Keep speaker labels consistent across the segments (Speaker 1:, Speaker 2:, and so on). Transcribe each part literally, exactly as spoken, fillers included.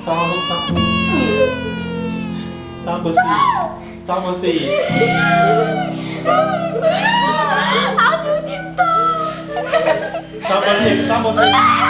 Speaker 1: เศร้าลูกเศร้าเศร้าเบอร์สี่เศร้าเบอร์สี่
Speaker 2: เอาดูทิมตา
Speaker 1: เศร้าเบอร์สิบเศร้าเบอร์สิบ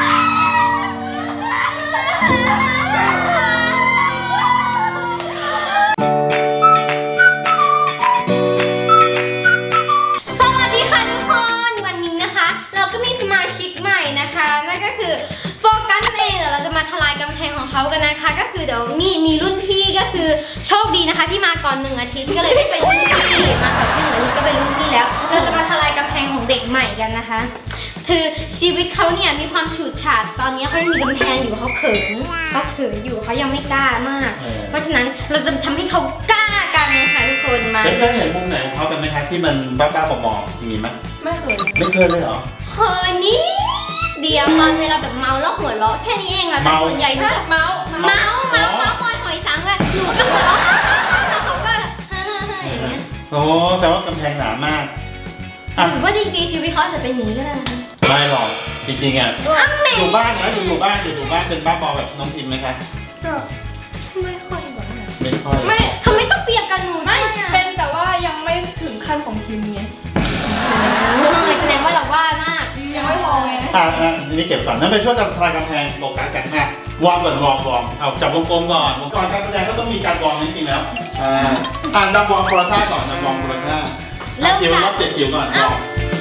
Speaker 2: เขากันนะคะก็คือเดี๋ยวมีมีรุ่นพี่ก็คือโชคดีนะคะที่มาก่อนหนึ่งอาทิตย์ก็เลยได้เป็นรุ่นพี่มาก่อนที่หนึ่งก็เป็นรุ่นพี่แล้วเราจะมาทลายกำแพงของเด็กใหม่กันนะคะคือชีวิตเขาเนี่ยมีความฉูดฉาดตอนนี้เขายังมีกำแพงอยู่เขาเขินเขาเขินอยู่เขายังไม่กล้ามากเพราะฉะนั้นเราจะทำให้เขากล้ากันนะคะทุกคนมา
Speaker 1: เพื่อนๆเห็นมุมไหนของเขากันไหมคะที่มันบ้าๆบอๆมีไหม
Speaker 3: ไม่เคย
Speaker 1: ไม่เคยเลยเหรอ
Speaker 2: เคยนี่เดียวตอนเวลาแบบเมาแล้วหัวเราะแค่นี้เองอะแต่ส่วนใหญ่หนูจะ
Speaker 3: เมา
Speaker 2: เมาเมาเมาปล่อยหอยสังเลยหนูก็หัวเราะแล้วเขาก็เฮ้ยอย่างเงี้ย
Speaker 1: โอ้แต่ว่ากำแพงหนามาก
Speaker 2: หรือว่าจริงๆชีวิตเขาจะเป็นอย่างนี้ก็ได้นะ
Speaker 1: ไม่หรอกจริงๆอ่ะอยู่บ้านนะอยู่อยู่บ้านอยู่อยู่บ้านเป็นบ้าบอแบบน้องพิมไหมคะ
Speaker 2: ก็ไม่ค่อยแบบ
Speaker 1: ไม่ค่อย
Speaker 3: ไม่
Speaker 2: ทำไมต้องเปียกกันหนู
Speaker 3: ไม่เป็นแต่ว่ายังไม่ถึงขั้นของพิมไง
Speaker 2: แสดงว่าเราว่ามาก
Speaker 3: ยังไม่พอไง
Speaker 1: อ่าอ่าทีนี้เก็บก่อนนั่นไปช่วยกันทลายกำแพงโลกากันค่ะวอร์มก่อนวอร์มวอร์มเอาจับวงกลมก่อนก่อนการแสดงก็ต้องมีการวอร์มจริงๆแล้วอ่าอ่านำวอร์มโคราท่าก่อนนำวอร์มโคราท่าเริ่มจิ๋วรอบเจ็ดจิ๋วก่อนวอร์ม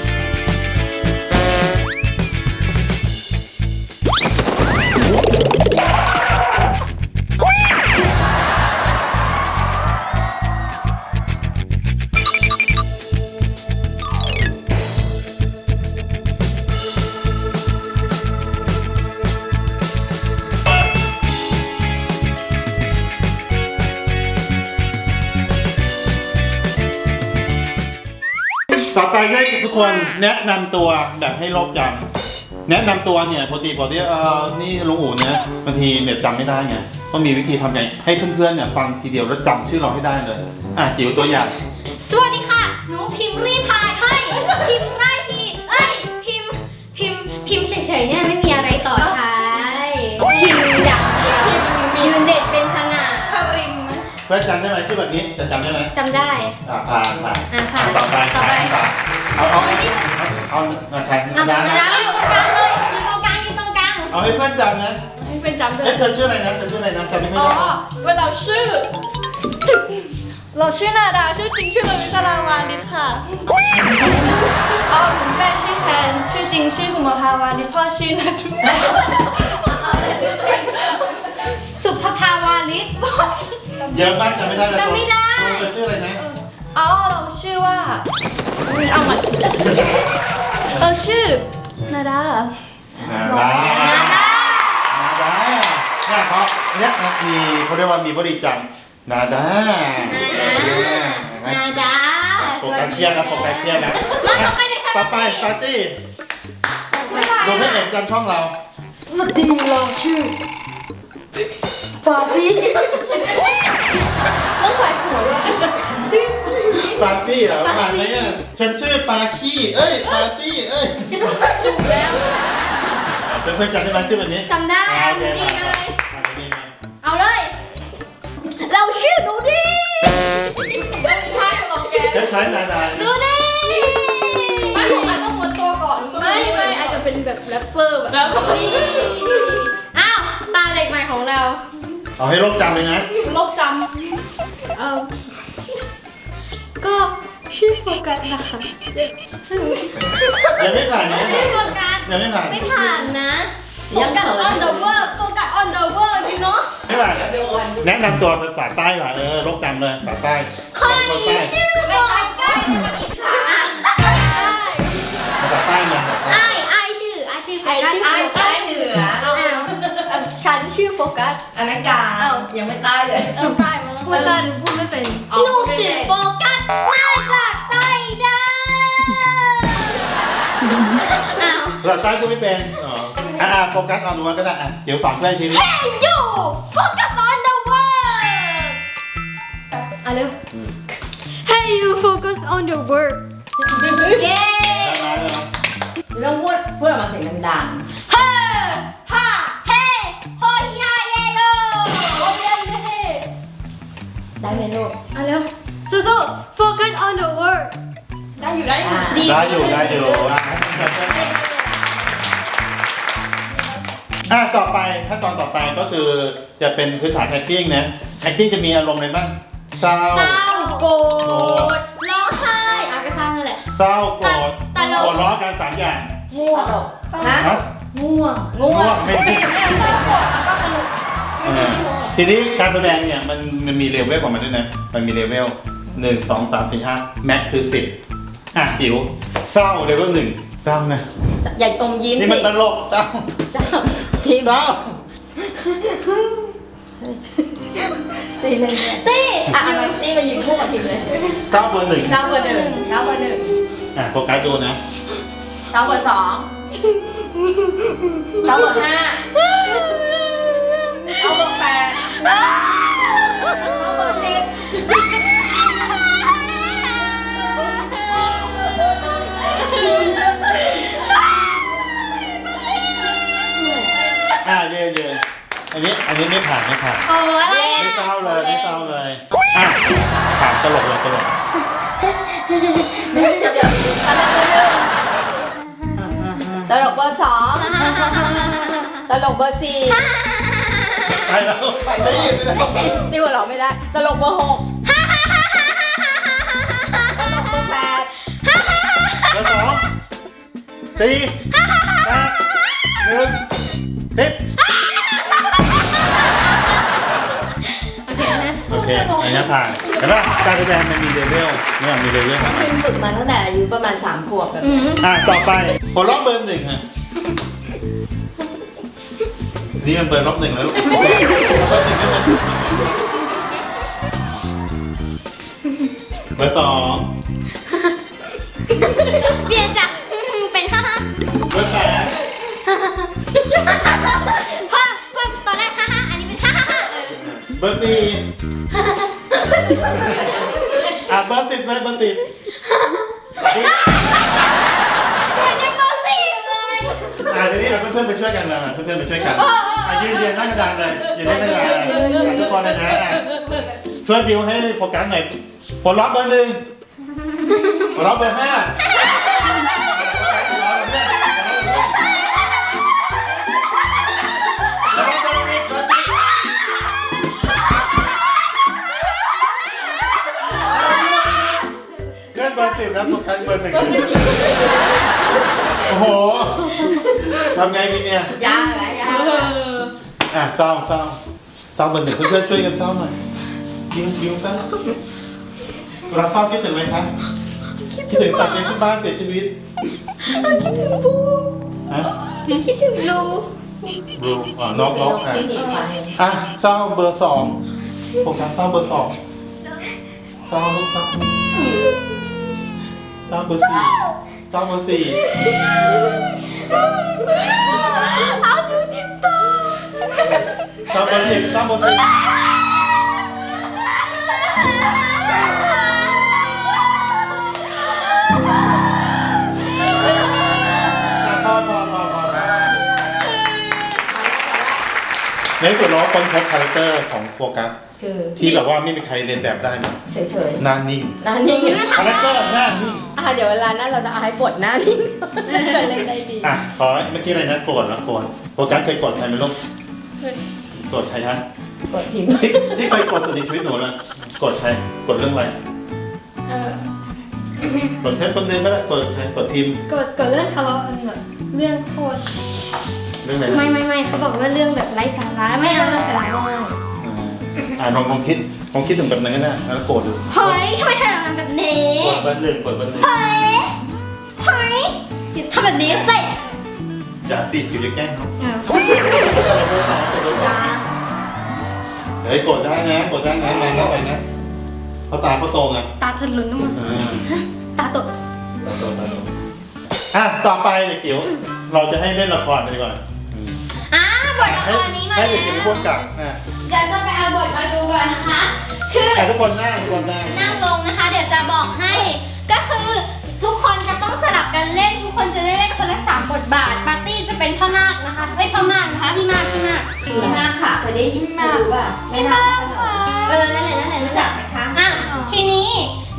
Speaker 1: ต่อไปให้ทุกคนแนะนำตัวแบบให้โลกจำแนะนำตัวเนี่ยปกติปกติเออนี่ลุงอู๋เนี่ยบางทีเนี่ยจำไม่ได้ไงต้องมีวิธีทำไงให้เพื่อนๆเนี่ยฟังทีเดียวแล้วจำชื่อเราให้ได้เลยอ่ะจิ๋วตัวอย่าง
Speaker 2: สวัสดีค่ะหนูพิมพ์รีพายเฮ้ยพิมพ์ไรพีเอ้ยพิมพ์พิมพ์พิมพ์เฉยๆเนี่ยไม่มีอะไรต่อท้ายพิมพ์อย่างเดียวยืนเด็ดเป็นสง่า
Speaker 3: คาริน
Speaker 1: เพื่อนจำได้ไหมชื่อแบบนี้จะจำได้ไหม
Speaker 2: จำได้
Speaker 1: อ่าผ่านผ่าน
Speaker 2: อ่าผ่าน
Speaker 1: ต่อไปต่อไปเอาเอาเอาเอาใคร
Speaker 2: นะนะอยู่ตรงกลางเลยอยู่ตรงกลางอยู่ตรงกลาง
Speaker 1: เอาให้เพื่อนจำนะ
Speaker 3: ให้เพื่อนจำด้วย
Speaker 1: เธอชื่ออะไรนะเธอชื่ออะไรนะจำไม่ค่อย
Speaker 3: ได้
Speaker 1: อ๋อ
Speaker 3: เวลาชื่อเราชื่อนาดาชื่อจริงชื่อลวิศราวานิชค่ะอ๋อแม่ชื่อแทนชื่อจริงชื่อสุมาภาวานิชพ่อชื่อนัท
Speaker 2: สุภภาวานิช
Speaker 1: เยอะมากจำไม่ได้
Speaker 2: จำไม่ได้
Speaker 1: เธอชื่ออะไรนะ
Speaker 3: อ๋อเราชื่อว่าเอาใหม่เราชื่อนาดา
Speaker 1: นาดานาดานาดาเนี่ยเขาเนี่ยมีเขาเรียกว่ามีบริจำนาดา
Speaker 2: นาดา
Speaker 1: โฟกัสเครียดนะโฟกัสเครียดนะต่อไปปาร์ตี้ดูให้เห็นกันช่องเรา
Speaker 3: สวัสดีเราชื่อปาร์ตี้ต้องใส่หัวด้วยชื่อ
Speaker 1: ปาร์ตี้เหรอผ่านไหมเนี่ยฉันชื่อปาขี้เอ้ยปาร์ตี้เอ้ย
Speaker 3: ถูกแล้ว
Speaker 1: เพื่อนๆจำได้ไหมชื่อแบบนี้
Speaker 2: จำได้ดูดีเลยเอาเลยเราชื่อดูดี
Speaker 3: ใช่ของแก
Speaker 1: คล้ายๆนาดา
Speaker 2: ดูดี
Speaker 3: ไม่ผมอาจต้องม้วนตัวก่อน
Speaker 2: ไม่ไม่อาจจะเป็นแบบแรปเปอร์แบบนี้อ้าวตาเด็กใหม่ของเรา
Speaker 1: เอาให้โลกจำเลยนะ
Speaker 3: โลกจำ
Speaker 2: เออก็ชื่อโฟกัสนะคะ
Speaker 1: ยังไม่ผ่านนะ
Speaker 2: ชื่อโฟกัส
Speaker 1: ยังไม่ผ่าน
Speaker 2: ไม่ผ่านนะโฟกัส on the work โฟกัส on the work จริงเนาะ
Speaker 1: ไม่ผ่านแนะนำตัวภาษาใต้หน่อยเออโลกจำเลยภาษาใต้
Speaker 2: คนชื่อโฟกัส
Speaker 1: ภาษาใต้มา
Speaker 2: ไอ้ไอ้ชื่อไอ้ชื่อโฟกัส
Speaker 3: ไอ้ใต้เหนือ
Speaker 2: ฉันชื่อโฟกัส
Speaker 3: อนักการยังไม่ใต้เลย
Speaker 2: เออใต้มาแล้วเวลาหนูพูดไม่เป็นหนูชื่อโฟกัสมาจากใต้ดา
Speaker 1: ภาษาใต้พูดไม่เป็นอ๋ออ่าโฟกัสออนดูว่าก็ได้อ่ะเดี๋ยวฝากเพื่อนทีนี้
Speaker 2: Hey you focus on the work อ่ะเร็ว Hey you focus on the work เย้
Speaker 3: เราพูดพูดออกมาเสียงดัง
Speaker 2: ๆเฮ้ฮ่าเฮ้โฮฮิฮาเยโย
Speaker 3: ไหมลูก
Speaker 2: เอาเร็วสู้ๆ focus on the word
Speaker 3: ได้อยู่ได้อยู่
Speaker 2: ดี
Speaker 1: ได้อยู่ได้อยู่อ่ะอ่ะต่อไปขั้นตอนต่อไปก็คือจะเป็นพื้นฐาน acting นะ acting จะมีอารมณ์อะไรบ้างเศร้า
Speaker 2: เศร้าโกรธร้องไห้อ่ะก็เศร้านั่นแหละ
Speaker 1: เศร้าโกรธ
Speaker 2: ตลก
Speaker 1: หัวเราะกันสามอย่าง
Speaker 3: ง่วง
Speaker 4: ฮะ
Speaker 1: ฮะ
Speaker 3: ง่วง
Speaker 4: ง่วง
Speaker 1: ไม่ไม่เออทีนี้การแสดงเนี่ยมันมันมีเลเวลของมันด้วยนะ มันมีเลเวลหนึ่งสองสามสี่ห้าแม็กคือสิบอ่ะจิ๋วเศร้าเลเวลหนึ่งเศร้านะ
Speaker 4: ใหญ่อมยิ้ม
Speaker 1: นี่
Speaker 4: สิ
Speaker 1: มันตลกเศร้า
Speaker 4: จ้าทีม
Speaker 1: เศร้า
Speaker 4: ตีเลยเนี่ย
Speaker 2: ตี้
Speaker 4: อ่ะเอามาตีมายืนคู่กับทีมเลย
Speaker 1: เศร้าเบอร์หนึ่ง
Speaker 4: เก้าเบอร์หนึ่งเก้าเบอร์หนึ่ง
Speaker 1: อ่ะโฟกัสดูนะ
Speaker 4: เก้าเบอร์สองเก้าเบอร์ห้าเก้าเบอร์แปดเก้าเบอร์สิบ
Speaker 1: อ่ะเยืนยืนอันนี้อันนี้ไม่ผ่านไม่ผ่าน
Speaker 2: โอ้อะไร
Speaker 1: ไม่เศร้าเลยไม่เศร้าเลยอ่ะผ่านตลกเลยตลก
Speaker 4: เดี๋ยวเดี๋ยวตลกเบอร์สองตลกเบอร์สี่
Speaker 1: ไปแล้วไปแล้วไปแล้ว
Speaker 4: นี่หัวเราะไม่ได้ตลกเบอร์หกตลกเบอร์แปด
Speaker 1: เบอร์สองสี่แปดหนึ่งสิบ
Speaker 2: โอเคนะ
Speaker 1: โอเคอันนี้ผ่านแต่ว่าการแสดงมันมีเลเวลเนี่ยมีเลเวลของมัน
Speaker 4: พิมฝึกมาตั้งแต่อายุประมาณสามขวบแบบ
Speaker 2: อืม
Speaker 1: อ่ะต่อไปผลรอบเบอร์หนึ่งอ่ะนี่มันเบอร์รอบหนึ่งแล้วลูกเบอร์หนึ่งเบอร์สอง
Speaker 2: เปลี่ยนจากเป็นฮ่าฮ่า
Speaker 1: เบอร์แปด
Speaker 2: เพราะเพราะตอนแรกฮ่าฮ่าอันนี้เป็นฮ่าฮ่าเออ
Speaker 1: เบอร์สี่อ่ะเบอร์สิบเลยเบอร์สิบ
Speaker 2: เหมือนจะเบอร์สี่เลย
Speaker 1: อ่ะทีนี้เพื่อนๆไปช่วยกันนะเพื่อนๆไปช่วยกันอ่ะยืนยืนหน้ากระดานเลยยืนหน้ากระดานอ่ะทุกคนเลยนะอ่ะช่วยดิวให้โฟกัสหน่อยผลลัพธ์เบอร์หนึ่งผลลัพธ์เบอร์ห้าเพื่อนเบอร์สิบแล้วโฟกัสเบอร์หนึ่งโอ้โหทำไงดีเนี่ย
Speaker 4: ยากไหมยาก
Speaker 1: อ่ะเศร้าเศร้าเศร้าเบอร์หนึ่งเพื่อนๆช่วยกันเศร้าหน่อยยิ้มยิ้มเศร้าเราเศร้าคิดถึงอะไรคะคิดถึงสัตว์เลี้ยงที่บ้านเสียชีวิตคิดถึงบูฮะ
Speaker 2: คิดถึงลู
Speaker 1: บลูอ๋อนกนกอ่ะ
Speaker 4: ที่หนีไป
Speaker 1: อ่ะเศร้าเบอร์สองผมทำเศร้าเบอร์สองเศร้าลูกเศร้าเศร้าเบอร์สี่เศร้าเบอร์สี่
Speaker 2: เอาดูทิมตา
Speaker 1: เศร้าเบอร์สิบเศร้าเบอร์สิบพอพอพอพอในส่วนเราค้นพบคาแรคเตอร์ของโฟกัส
Speaker 4: คือ
Speaker 1: ที่แบบว่าไม่มีใครเรียนแบบได้นะ
Speaker 4: เฉย
Speaker 1: หน้านิ่ง
Speaker 4: ๆหน้านิ่ง
Speaker 1: คาแรคเตอร์หน้านิ่ง
Speaker 4: อ่ะเดี๋ยวเวลานั้นเราจะเอาให้บทหน้านิ่งเล่นได้ดี
Speaker 1: อ่ะขอเมื่อกี้อะไรนะโกรธนะโกรธโฟกัสเคยโกรธใครไหมลูกโกรธใครฮะ
Speaker 4: บทพิมพ์
Speaker 1: ที่ที่เคยโกรธสุดในชีวิตหนูเลยโกรธใครโกรธเรื่องอะไร
Speaker 3: เออ
Speaker 1: โกรธแค่คนเดียวก็ได้โกรธใครโกรธพิมพ์
Speaker 3: เกิดเกิดเรื่องทะเลาะกันแบบเรื่องโทษ
Speaker 1: เรื่องอะไรนะ
Speaker 2: ไม่ไม่ไม่เขาบอกว่าเรื่องแบบไร้สาระไม่เอาเรื่องสาระ
Speaker 1: อ่าอ่าลองลองคิดลองคิดถึงแบบนั้นก็ได้แล้วโกรธดู
Speaker 2: เฮ้ยทำไมทำงานแบบนี้
Speaker 1: โกรธเบอร์หนึ่งโกรธเบอร์หนึ่ง
Speaker 2: เฮ้ยเฮ้ยอย่าทำแบบนี้สิ
Speaker 1: อย่าติดอยู่จะแกล้งเขา
Speaker 2: อ้าว
Speaker 1: เฮ้ยโกรธได้นะโกรธได้นะแรงเข้าไปนะเขาตาเขาโตไง
Speaker 2: ตาทะลุน้ำมัน
Speaker 1: อ่า
Speaker 2: ตาตก
Speaker 1: ตาโตตาโตอ่ะต่อไปเด็กจิ๋วเราจะให้เล่นละครกันดีกว่าอืม
Speaker 2: อ่าบทละครนี้มา
Speaker 1: ให้
Speaker 2: แล้ว
Speaker 1: เด็กจิ๋วพูดกับอ่ะ
Speaker 2: เดี๋ยวจะไปเอาบทมาดูก่อนนะคะ คือ
Speaker 1: แต่ทุกคนนั่งทุกคนนั่ง
Speaker 2: นั่งลงนะคะ เดี๋ยวจะบอกให้ ก็คือทุกคนจะต้องสลับกันเล่น ทุกคนจะได้เล่นคนละสามบทบาท ปาร์ตี้จะเป็นพ่อนาคนะคะเอ้ยพ่อมากนะคะพี่มากพี่มาก
Speaker 4: พี่มากค่ะเคยได้ยินมาหรือเปล่าไม่น่า
Speaker 2: เออ นั่นแหละนั่นแหละรู้จัก
Speaker 4: ค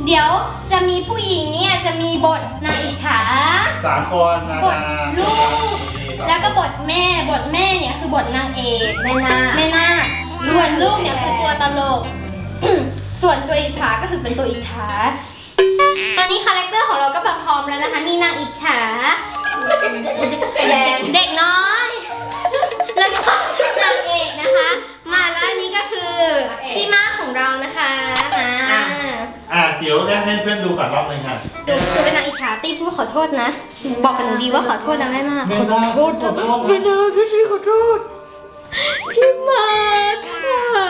Speaker 2: เดี๋ยวจะมีผู้หญิงเนี่ยจะมีบทนางอิจฉา
Speaker 1: สามคนนา
Speaker 2: บท
Speaker 1: ดา
Speaker 2: ลูก แล้วก็บทแม่ บทแม่เนี่ยคือบทนางเอก
Speaker 4: แม่นา
Speaker 2: แม่นาคส่วนลูกเนี่ยคือตัวตลก ส่วนตัวอิจฉาก็คือเป็นตัวอิจฉา ตอนนี้คาแรคเตอร์ของเราก็มาพร้อมแล้วนะคะ มีนางอิจฉา
Speaker 4: แดง
Speaker 2: เด็กน้อย แล้วก็นางเอกนะคะ มาแล้วอันนี้ก็คือพี่มากของเรานะคะอ่า
Speaker 1: อ่ะเดี๋ยวได้ให้เพื่อนดูก่อนรอบหนึงค่ะ
Speaker 2: ดูคือเป็นนางอิจฉาตีพูดขอโทษนะ บอกกับหนูดีว่าขอโทษนะแม่มาก
Speaker 1: ไม่ได้พูดขอโทษ
Speaker 3: ไม่ได้พี่ชีขอโทษ
Speaker 2: พี่มากค่ะ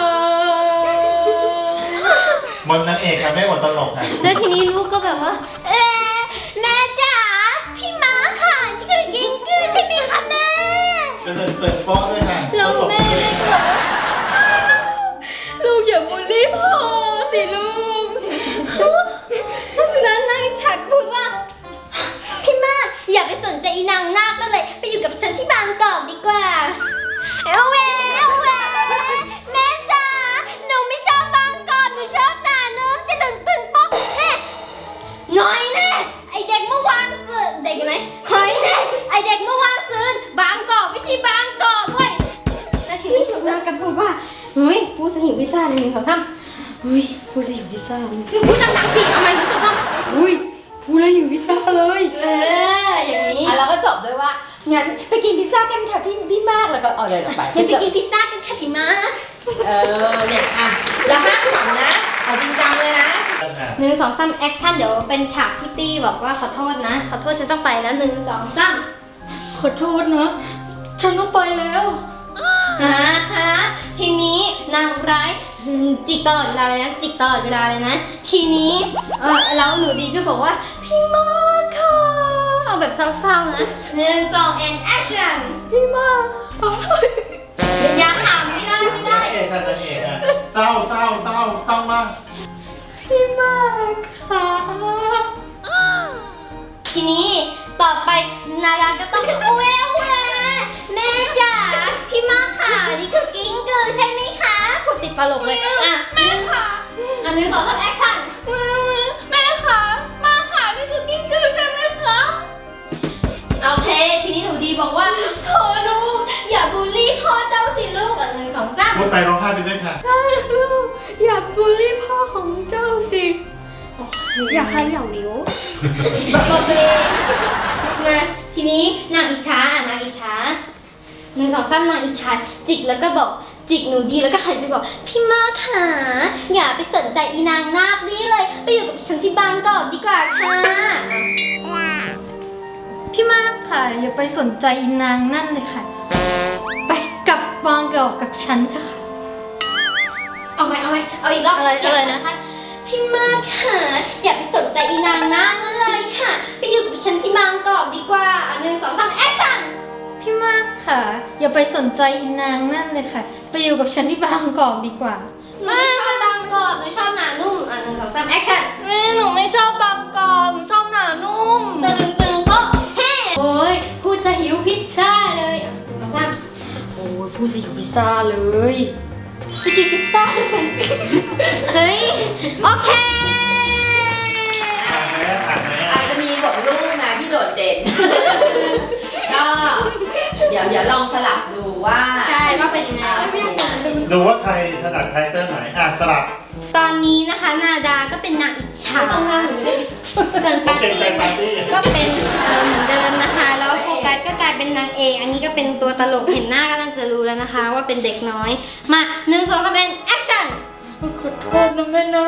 Speaker 1: บนนางเอกค่ะไม่บนตลกค่ะ
Speaker 2: แล้วทีนี้ลูกก็แบบว่า เอ๊ะแม่จ๋าพี่ม้าค่ะนี่คือกิ้งกือใช่ไหมคะแม่
Speaker 1: จะเดินเปิดโป๊ะด้วยค่ะ
Speaker 2: แล้วแม่แม่ก็บอกว่า
Speaker 3: ลูกอย่าบูลลี่พ่อสิลูก
Speaker 2: เพราะฉะนั้นนางฉัดพูดว่า พี่มากอย่าไปสนใจอีนางนาคนั่นเลย ไปอยู่กับฉันที่บางกอกดีกว่า เอวเวเอวเวแม่จ๋าหนูไม่ชอบบางกอกหนูชอบหนาเนื้อจะดึงตึงป๊อกแน่หน่อยแน่ไอเด็กเมื่อวานซืนเด็กอยู่ไหนเฮ้ยแน่ไอเด็กเมื่อวานซืนบางกอกไม่ใช่บางกอกเว้ยแล้วทีนี้นางก็พูดว่าเฮ้ยพูดสนิทพิซซ่าเลยหนึ่งสองสาม
Speaker 3: อุ้ยพูดสิอยู่พิซซ่าเลย
Speaker 2: พูดดังๆสิเอาใหม่หนึ่งสองสาม
Speaker 3: อุ้ยพูดแล้วอยู่พิซซ่าเลย
Speaker 2: เอออย่างนี้
Speaker 4: อ่ะแล้วก็จบด้วยว่า งั้นไปกินพิซซ่ากันค่ะพี่พี่มากแล้วก็เอาเลยออกไป
Speaker 2: เดี๋ยวไปกินพิซซ่ากันค่ะพี่มา
Speaker 4: เออเนี่ยอ่ะแล้วห้ามขำนะเอาจริงจังเลยนะ
Speaker 2: หนึ่งสองสามแอคชั่นเดี๋ยวเป็นฉากที่ตี้บอกว่าขอโทษนะ ขอโทษฉันต้องไปแล้วหนึ่งสองสาม
Speaker 3: ขอโทษนะ ฉันต้องไปแล้ว
Speaker 2: อ่าฮะทีนี้นางร้ายจิกตลอดเวลาเลยนะจิกตลอดเวลาเลยนะ ทีนี้เออแล้วหนูดีก็บอกว่าพี่มากค่ะเอาแบบเศร้าๆนะหนึ่งสอง and action
Speaker 3: พี่มาก
Speaker 2: อย่าหามไม่ได้ไม่ได้
Speaker 1: นางเอกค่ะนางเอกค่ะเต้าเต้าเต้าเต้ามาก
Speaker 3: พี่มากค่ะ
Speaker 2: ทีนี้ต่อไปนาดาก็ต้องแววแวแม่จ๋าพี่มากค่ะนี่คือกิ้งกือใช่ไหมคะพูดติดตลกเลยอ่ะแม่ค่ะอันหนึ่งสองสามแอคชั่นแม่ค่ะมาค่ะนี่คือกิ้งกือใช่ไหมคะโอเคทีนี้หนูดีบอกว่าโธ่ลูกอย่าบูลลี่พ่อเจ้าสิลูกอันหนึ่งสองสาม
Speaker 1: พูดไปร้องไห้ไปด้วยค่ะ
Speaker 3: อย่าบูลลี่พ่อของเจ้าสิ
Speaker 2: อย่าใครเหย่านิ้วบอกตัวเองมาทีนี้นางอิจฉาอ่ะนางอิจฉาหนึ่งสองสามนางอิจฉาจิกแล้วก็บอกจิกหนูดีแล้วก็หันไปบอกพี่มากค่ะอย่าไปสนใจอีนางนาคนี้เลยไปอยู่กับฉันที่บางกอกดีกว่าค่ะ
Speaker 3: พี่มากค่ะ อย่าไปสนใจอีนางนั่นเลยค่ะ ไปกลับบางกอกกับฉันเถอะค่ะ
Speaker 2: เอาไหมเอาไหมเอาอีกรอบ
Speaker 3: อะไร
Speaker 2: เสียง
Speaker 3: อะไรนะ
Speaker 2: ชัดๆพี่มากค่ะอย่าไปสนใจอีนางนาคนั่นเลยค่ะไปอยู่กับฉันที่บางกอกดีกว่าอ่ะหนึ่งสองสามแอคชั่น
Speaker 3: พี่มากค่ะ อย่าไปสนใจอีนางนั่นเลยค่ะ ไปอยู่กับฉันที่บางกอกดีกว่า
Speaker 2: หนูไม่ชอบบางกอกหนูชอบหนานุ่มอ่ะหนึ่งสองสามแอคชั่น
Speaker 3: แม่หนูไม่ชอบบางกอกหนูชอบหนานุ่ม
Speaker 2: ตึงตึงโป๊ะเฮ้โอ้ยพูดจะหิวพิซซ่าเลยอ่ะหนึ่งสองสาม
Speaker 3: โอ้ยพูดสิอยู่พิซซ่าเลยไปกินพิซซ่าด้วยกัน
Speaker 2: เฮ้ยโอเค
Speaker 1: อ่านไหมอ่านไหม
Speaker 4: อาจจะมีบทลูกนะที่โดดเด่น ก็เดี๋ยวเดี๋ยวลองสลับดูว่า
Speaker 2: ใช่ว่าเป็นยังไง
Speaker 1: ดูว่าใครถนัดคาแรคเตอร์ไหนอ่ะสลับ
Speaker 2: ตอนนี้นะคะนาดาก็เป็นนางอิจฉา
Speaker 4: ไม่ต้องนั่งหนูไม่ได้
Speaker 2: ส่วนปาร์ตี้
Speaker 1: เกรงใจปาร์ตี้
Speaker 2: ก็เป็นเออเหมือนเดิมนะคะ แล้วโฟกัสก็กลายเป็นนางเอกอันนี้ก็เป็นตัวตลกเห็นหน้าก็น่าจะรู้แล้วนะคะ ว่าเป็นเด็กน้อยมาหนึ่งสองสามเป็นแอคชั่น
Speaker 3: ขอโทษนะแม่นา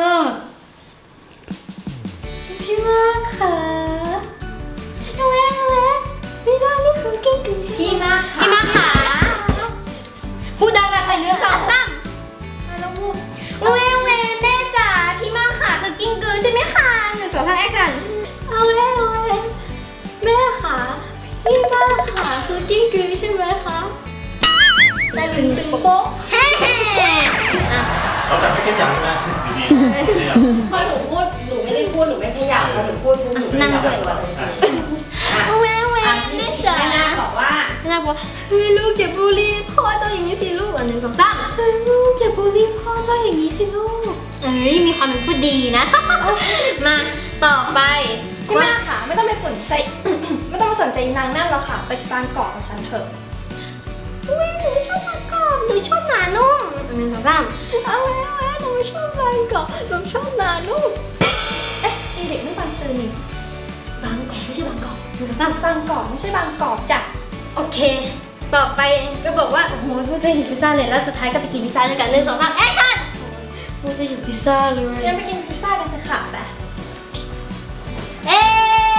Speaker 3: พี่มากค่ะ
Speaker 2: เอาแวะเอาแวะไม่ได้นี่คือกิ้งกือ
Speaker 4: พี่มากค่ะ
Speaker 2: พี่มาขาพูดดังๆไปหนึ่งสองสาม
Speaker 3: แล้วพูด
Speaker 2: เวเวแม่จ๋าพี่มาขาคือกิ้งกือใช่ไหมคะหนึ่งสองสามแอคชั่น
Speaker 3: เอาแม่เอาแม่แม่ค่ะพี่มากค่ะคือกิ้งกือใช่ไหมคะ
Speaker 2: ตึงตึงโป๊ะเฮ้อ่ะ
Speaker 1: เราแต่ไม่เข้มหยาบนะอยู่ดี
Speaker 4: พอหนูพูดหนูไม่ได้พูดหนูไม่ขยับพอหนูพูดปุ๊บหนูขยับตัวเลย
Speaker 1: อ่ะ
Speaker 4: อ่ะ
Speaker 2: เวเวแม่จ๋า
Speaker 4: แม่นาบอกว่า
Speaker 2: แม่นาบอกเฮ้ยลูกอย่าบูลลี่พ่อเจ้าอย่างนี้สิลูกอันหนึ่งสองสามเฮ้ยลูกอย่าบูลลี่พ่อเจ้าอย่างนี้สิลูกเออฮ้ยมีความเป็นผู้ดีนะ มาต่อไป
Speaker 3: พี่มากค่ะไม่ต้องไปสนใจ ไม่ต้องไปสนใจนางนั่นหรอกค่ะไปบางกอกกับฉันเถอะ
Speaker 2: อุ๊ยหนูชอบบางกอกหนูชอบหนานุ่มหนึ่งสองสาม
Speaker 3: เอาแล้วเอาหนูชอบบางกอกหนูชอบนานุ่มเอ๊ะไอเด็กไม่บางซื่อนี่บางกอกไม่ใช่บางกอก
Speaker 2: หนึ่งสองสาม
Speaker 3: บางกอกไม่ใช่บางกอกจ้ะ
Speaker 2: โอเค ต่อไปก็บอกว่าโอ้โหเพิ่งจะหิวพิซซ่าเลยแล้วสุดท้ายก็ไปกินพิซซ่าด้วยกันหนึ่งสองสามแอคชั่น
Speaker 3: กูจะอยู่พิซซ่าเลยงั้นไปกินพิซซ่ากันสักค่ะแต่
Speaker 2: เอ๊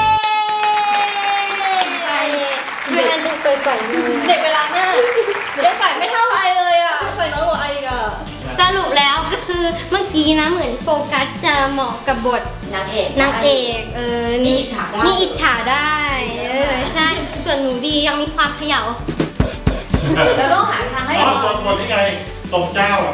Speaker 2: ช่วยกันดูก่อนๆเลย
Speaker 3: เด็กเวลาหน้าเด็กใส่ไม่เท่าไอเลยอ่ะใส่น้อยกว่าไออีกอ่ะ
Speaker 2: สรุปแล้วก็คือเมื่อกี้นะเหมือนโฟกัสจะเหมาะกับบท
Speaker 4: นางเอก
Speaker 2: นางเอกเออ
Speaker 4: นี่อิจฉาได้
Speaker 2: นี่อิจฉาได้เออใช่ส่วนหนูดียังมีความเขย่า
Speaker 4: เราต้องหาทางให้
Speaker 1: อ๋อ
Speaker 4: อ
Speaker 1: ค
Speaker 4: อก
Speaker 1: นคนที่ไงตรงเจ้าอ่ะ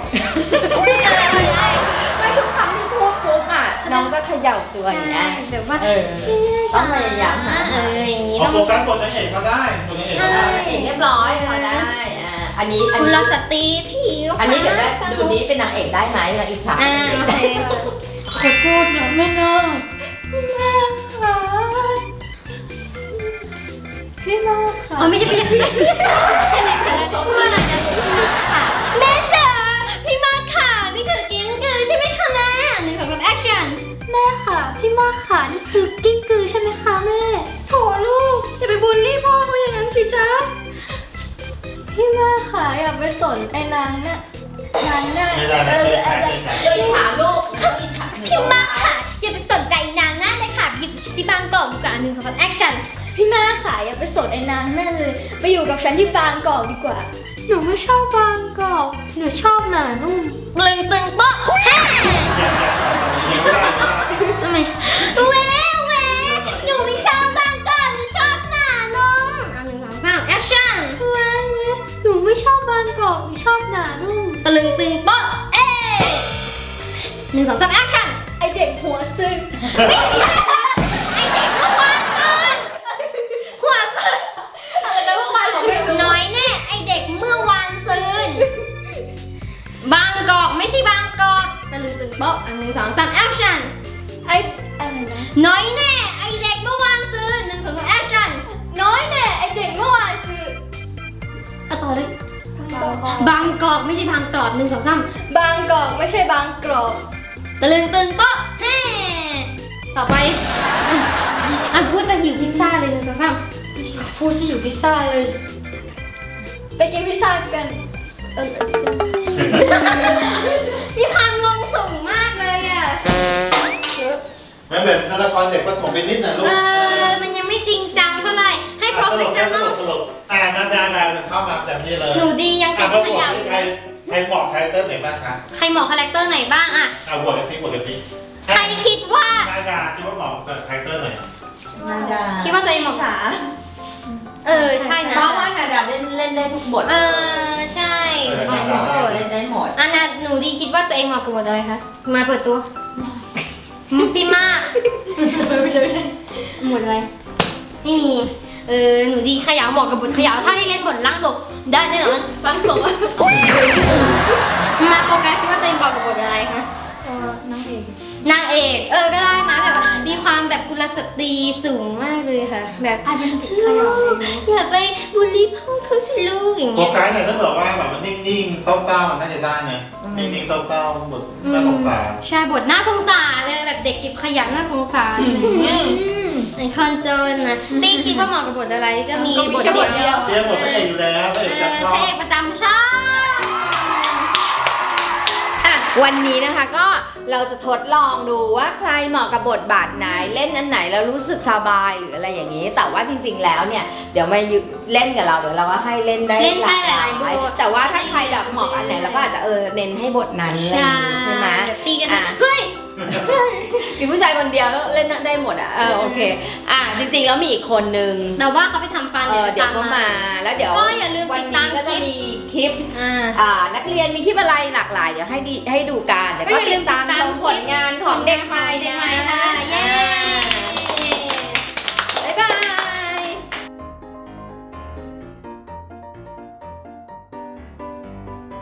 Speaker 4: ไม่ทุกครั้งที่พูดปุ๊บอ่ะน้องก็เขย่าตัวอย่างเงี้ย
Speaker 2: ใช่แบบว่า
Speaker 4: เออ ต้องพยายามหา
Speaker 2: เอออย่างนี้
Speaker 1: พอ
Speaker 2: ต้อง
Speaker 1: โฟกัสบทนางเอกก็ได้บทนางเอกก็
Speaker 4: เอ
Speaker 1: ได้
Speaker 4: อเอกเรียบร้อยพอได้อ่าอันนี้อัน
Speaker 2: คุณ
Speaker 4: นี้
Speaker 2: ลสตรีที่
Speaker 4: อันนี้เดี๋ยวได้ดูนี้เป็นนางเอกได้ไหมนางอิจฉา
Speaker 2: อ่าโอเค
Speaker 3: ขอโทษนะแม่นาพี่มาค่ะพี่มาค่ะ
Speaker 2: อ๋อไม่ใช่ไม่ใช่ไม่ใช่พูดหน่อยนะค่ะแม่จ๋าพี่มากค่ะนี่คือกิ้งกือใช่ไหมคะแม่หนึ่งสองสามแอคชั่นแม่ค่ะพี่มากค่ะนี่คือกิ้งกือใช่ไหมคะแม่
Speaker 3: โถลูกอย่าไปบูลลี่พ่อเขาอย่างนั้นสิจ๊ะพี่มาค่ะอย่าไปสนไอ้นางเนี่ยนางเนี่ย
Speaker 1: ไม่ได้นะเคยขายเคยขาย
Speaker 4: โดยอิจฉาลูกอิจฉา
Speaker 2: พี่มากค่ะอย่าไปสนใจนางนั่นเลยค่ะอยู่ที่บางกอกดีกว่าหนึ่งสองสามแอคชั่น
Speaker 3: พี่มาค่ะอย่าไปสนไอ้นางนั่นเลยไปอยู่กับฉันที่บางกอกดีกว่า หนูไม่ชอบบางกอกหนูชอบหนานุ่ม
Speaker 2: ตึงตึงโป๊ะแฮ่
Speaker 1: อย่าอย่าอย่าไม่ได้ไม่ได้
Speaker 2: ทำไมเว้เว้หนูไม่ชอบบางกอกหนูชอบหนานุ่มอ่ะหนึ่งสองสามแอคชั่น
Speaker 3: เว้ยหนูไม่ชอบบางกอกหนูชอบหนานุ่ม
Speaker 2: ตะลึงตึงโป๊ะเอ๊หนึ่งสองสามแอคชั่น
Speaker 3: ไอเด็กหัวซึ้ง
Speaker 2: ไอเด็กเมื่อวานคืนหัวซึน
Speaker 3: อะไรนะเมื่อวานผมไม่รู้
Speaker 2: น้อยแน่ไอเด็กเมื่อวานซืนบางกอกไม่ใช่บางกอกตะลึงตึงโป๊ะอันหนึ่งสองสามแอคชั่น
Speaker 3: ไออะไรนะ
Speaker 2: น้อยแน่ไอเด็กเมื่อวานซืนหนึ่งสองสามแอคชั่น
Speaker 3: น้อยแน่ไอเด็กเมื่อวานคือ
Speaker 2: เอาต่อเลยบางกอกไม่ใช่บางกอกหนึ่งสองสาม
Speaker 3: บางกอกไม่ใช่บางกรอก
Speaker 2: ตะลึงตึงโป๊ะแฮ่ต่อไปอ่ะพูดสหิวพิซซ่าเลยหนึ่งสองสาม
Speaker 3: พูดสิอยู่พิซซ่าเลย ไปกินพิซซ่ากันเออ
Speaker 2: มีความงงสูงมากเลยอ่ะ
Speaker 1: ไม่เหมือนละครเด็กประถมไปนิดนะลู
Speaker 2: เอก อมันยังไม่จริงจังเท่าไหร่ให้
Speaker 1: ตลก
Speaker 2: professional
Speaker 1: ตลกอ่ามาดามาเข้ามาแบบนี้เลย
Speaker 2: หนูดียัง
Speaker 1: อ่ะ
Speaker 2: เป็น
Speaker 1: เขา
Speaker 2: ข
Speaker 1: บอก
Speaker 2: ยะ
Speaker 1: ใครใครบอกคาแรคเตอร์ไหนบ้างคะ
Speaker 2: ใครเหมาะคาแรคเตอร์ไหนบ้างอ่ะ
Speaker 1: เอาบวกกันสิบวกกันสิ
Speaker 2: ใครคิดว่า
Speaker 1: นาดาคิดว่าเหมาะกับคาแรคเตอร์ไหน
Speaker 4: นาดา
Speaker 2: คิดว่าตัวเองเหมาะ
Speaker 3: ฉา
Speaker 2: เออใช่นะ
Speaker 4: เพราะว่านาดาเล่นเล่นได้ทุกบท
Speaker 2: เออใช่เหมาะกับบท
Speaker 4: เล่นได้หมด
Speaker 2: อันน่ะหนูดีคิดว่าตัวเองเหมาะกับบทอะไรคะมาเปิดตัวพี่มาก
Speaker 3: ไม่ใช่ไม่ใช่
Speaker 2: หมดอะไรไม่มีเออหนูดีขยาวเหมาะกับบทขยาวถ้าให้เล่นบทล่างศพได้แน่นอน
Speaker 3: บางกอก
Speaker 2: มาโฟกัสคิดว่าตัวเองเหมาะกับบทอะไรคะ
Speaker 3: เออนางเอก
Speaker 2: นางเอกเออก็ได้นะแบบว่ามีความแบบกุลสตรีสูงมากเลยค่ะ แบบ
Speaker 3: อาจจะติดขยะเลยนะ
Speaker 2: อย่าไปบูลลี่พ่อเขาสิลูกอย่าง
Speaker 1: โฟ
Speaker 2: เงี้ย
Speaker 1: กัสเนี่ยถ้าบอกว่าแบบมันนิ่งๆเศร้าๆมันน่าจะได้ไงนิ่งๆเศร้าๆบทน่าสงสาร
Speaker 2: ใช่บทน่าสงสารเลยแบบเด็กเก็บขยะน่าสงสารอะไรอย่างเงี้ยในคอนโจนนะตีคิดว่าเหมาะกับบทอะไรก็มีบทเดียว
Speaker 1: เตรียมบทพระเอกอยู่แล้วพระ
Speaker 2: เอ
Speaker 1: เอกจะ
Speaker 2: อ
Speaker 1: ชอ
Speaker 2: พระ
Speaker 1: บ
Speaker 2: เอกประจำช่อง
Speaker 4: อ่ะวันนี้นะคะก็เราจะทดลองดูว่าใครเหมาะกับบทบาทไหนเล่นอันไหนแล้วรู้สึกสบายหรืออะไรอย่างนี้ แต่ว่าจริง ๆ แล้วเนี่ยเดี๋ยวมาเล่นกับเราเดี๋ยวเราก็ให้เล่นได้
Speaker 2: เล่นได้หลายบท
Speaker 4: แต่ว่าถ้าใครแบบเหมาะอันไหนเราก็อาจจะเออเน้นให้บทนั้นอะไรอย่างนี้ใช่ไหม
Speaker 2: แบบตีกัน
Speaker 4: อ่ะ
Speaker 2: เฮ้ย
Speaker 4: มีผู้ชายคนเดียวแล้วเล่นได้หมดอ่ะเออโอเคอ่ะจริงๆแล้วมีอีกคนนึง
Speaker 2: แต่ว่าเขาไปทำฟัน
Speaker 4: เออเดี๋ยว
Speaker 2: ต
Speaker 4: เขามาแล้วเดี๋ยว
Speaker 2: ก็อย่าลืม
Speaker 4: วั
Speaker 2: ติ
Speaker 4: น
Speaker 2: ดตา
Speaker 4: นี้
Speaker 2: ม
Speaker 4: ก็
Speaker 2: ค
Speaker 4: จะ
Speaker 2: ลิป
Speaker 4: มีคลิป
Speaker 2: อ่า
Speaker 4: อ่านักเรียนมีคลิปอะไรหลากหลายเดี๋ยวให้ดีให้ดูกันเดี๋ยว
Speaker 2: ก็
Speaker 4: ก็
Speaker 2: อย่าลื
Speaker 4: ติ
Speaker 2: ม
Speaker 4: ดตาม
Speaker 2: ติดตาม
Speaker 4: ชมผลงานของเด็กใหม่
Speaker 2: เด็ก
Speaker 4: นะ
Speaker 2: ใหม่ค่ะเย้